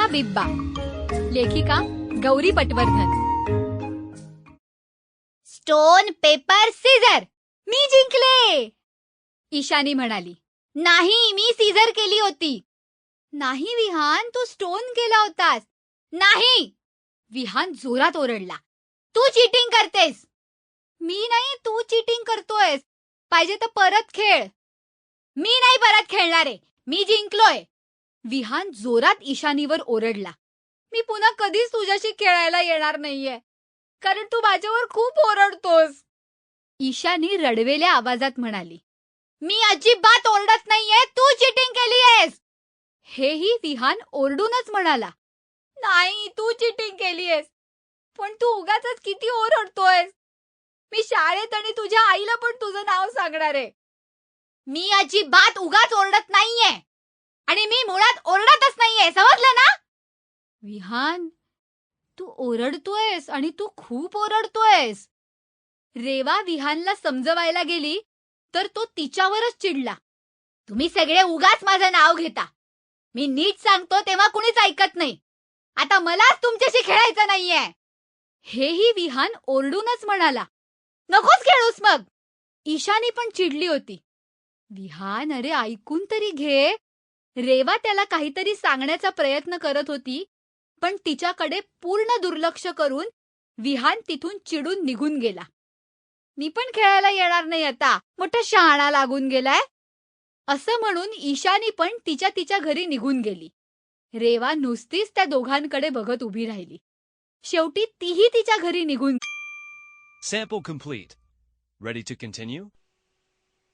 बिब्बा. लेखिका Gauri Patwardhan. Stone paper scissor. मी जिंकले, ईशानी म्हणाली. नाही, मी सीझर केली होती. नाही विहान, तू स्टोन केला होतास. नाही, विहान जोरात ओरडला. तू चीटिंग करतेस. मी नाही, तू चीटिंग करतोयस. पाहिजे तर परत खेळ. मी नाही परत खेळणारे, मी जिंकलोय. विहान जोरात ईशानीवर ओरडला. मी पुन्हा कधीच तुझ्याशी खेळायला येणार नाहीये, कारण तू माझ्यावर खूप ओरडतोस. ईशानी रडवेल्या आवाजात म्हणाली. मी अजिबात ओरडत नाहीये, तू चीटिंग केलीयेस. हेही विहान ओरडूनच म्हणाला. नाही, तू चीटिंग केलीयेस, पण तू उगाचच किती ओरडतोयस. मी शाळेत आणि तुझ्या आईला पण तुझं नाव सांगणार आहे. मी अजिबात उगाच ओरडत नाहीये आणि मी मुळात ओरडतच नाहीये, समजलं ना? विहान, तू ओरडतोयस आणि तू खूप ओरडतोयस. रेवा विहानला समजवायला गेली तर तो तिच्यावरच चिडला. तुम्ही सगळे उगाच माझं नाव घेता. मी नीट सांगतो तेव्हा कुणीच ऐकत नाही. आता मलाच तुमच्याशी खेळायचं नाहीये. हेही विहान ओरडूनच म्हणाला. नकोच खेळूस मग. ईशानी पण चिडली होती. विहान, अरे ऐकून तरी घे. रेवा त्याला काहीतरी सांगण्याचा प्रयत्न करत होती, पण तिच्याकडे पूर्ण दुर्लक्ष करून विहान तिथून चिडून निघून गेला. मी पण खेळायला येणार नाही आता, मोठा शहाणा लागून गेलाय. असं म्हणून ईशानी पण तिच्या घरी निघून गेली. रेवा नुसतीच त्या दोघांकडे बघत उभी राहिली. शेवटी तीही तिच्या घरी निघून. Sample complete. Ready to continue?